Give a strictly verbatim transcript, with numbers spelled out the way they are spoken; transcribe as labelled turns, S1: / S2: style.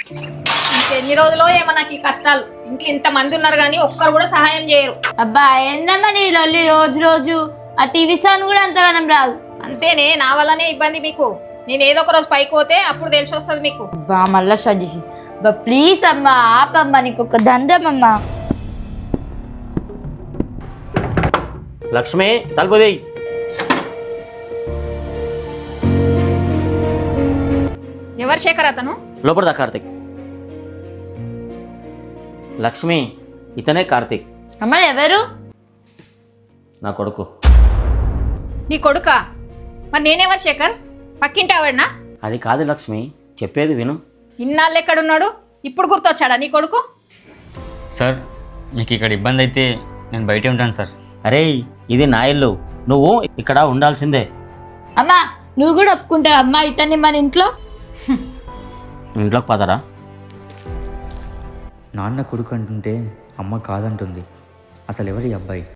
S1: ఎన్ని రోజులో ఏమో నాకు ఈ కష్టాలు. ఇంట్లో ఇంత మంది ఉన్నారు కానీ ఒక్కరు కూడా సహాయం చేయరు.
S2: అబ్బా ఏందమ్మా నీ లొల్లి రోజు రోజు. ఆ టీవీ సాన్ కూడా అంతగానం రాదు.
S1: అంతేనే, నా వల్లనే ఇబ్బంది మీకు. నేను ఏదో ఒక రోజు పైకి పోతే అప్పుడు తెలిసి వస్తుంది మీకు.
S2: అబ్బా మళ్ళా సజెషన్. బా ప్లీజ్ అమ్మా ఆపమ్మా, నీకు ఒక దండమమ్మా.
S3: లక్ష్మి తలుపుది.
S1: ఎవరు శేఖర్ అతను?
S3: లోపల కార్తిక్. లక్ష్మి ఇతనే కార్తిక్.
S2: అమ్మ ఎవరు?
S3: నా కొడుకు.
S1: నీ కొడుకా? మరి నేనేవరు శేఖర్? పక్కింటి ఆవిడనా?
S3: అది కాదు లక్ష్మి, చెప్పేది విను.
S1: ఇన్నాళ్ళు ఎక్కడున్నాడు? ఇప్పుడు గుర్తొచ్చాడా నీ కొడుకు?
S4: సార్ మీకు ఇక్కడ ఇబ్బంది అయితే నేను బయటే ఉంటాను సార్.
S3: అరే ఇది నా ఇల్లు, నువ్వు ఇక్కడ ఉండాల్సిందే.
S2: అమ్మా నువ్వు కూడా ఒప్పుకుంటావు అమ్మా ఇతన్ని మన ఇంట్లో?
S3: ఇంట్లోకి పదరా.
S4: నాన్న కొడుకు అంటుంటే అమ్మ కాదంటుంది. అసలు ఎవరి అబ్బాయి?